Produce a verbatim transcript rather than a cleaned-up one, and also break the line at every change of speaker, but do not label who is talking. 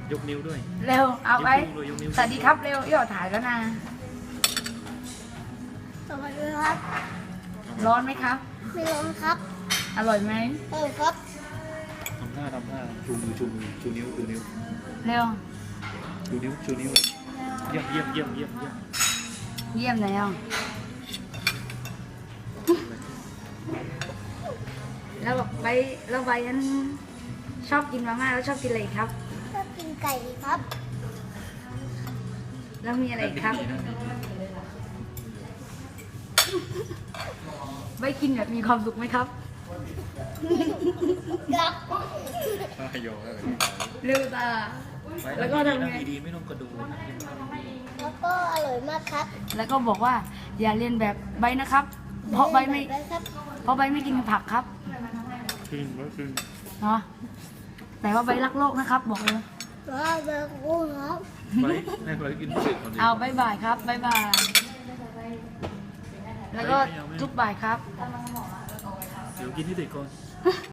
ยกนิ้วด้วย
เร็วเอาไว้
ยกนิ้วเลยยกนิ้ว
สวัสดีครับเร็วย่อถ่ายแล้วนะ
สวัสดีครับ
ร้อนไหมครับ
ไม่ร้อนครับ
อร่อยไหม
เออครับ
ทำท่าทำท่าชูมือชูมือชูนิ้วชูนิ้ว
เร็ว
ชูนิ้วชูนิ้วเลยเยี่ยมเยี่ยมเยี่ยมเยี่ยมเยี่ยม
เยี่ยมแล้วแล้วบอกไปแล้วไปนั้นชอบกินมาม่าแล้วชอบกินอะไรอีกครับ
ชอบกินไก่ครับ
แล้วมีอะไรอีกครับไปกินแบบมีความสุขไหมครับ
ครับ
ให้โยให้
เร็วตา แล้วก็ทำไง
ดีๆไม่ต้องกระดูกนะ
แล้วก็อร่อยมากครับ
แล้วก็บอกว่าอย่าเรียนแบบใบนะครับ เพราะใบไม่
แบบนั้นครับ
เพราะใบไม่กินผักครับ
คืนว่าคืน
เนาะแต่ว่าใบรักโลกนะครับ บอกเลย
แล้วแบบกุ้งครับ
ไปให้ไปกินเสร็จก่อนดี
เอาบายบายครับบายบาย แล้วก็ทุกบ่ายครับ
เดี๋ยวกินที่เด็กก่อน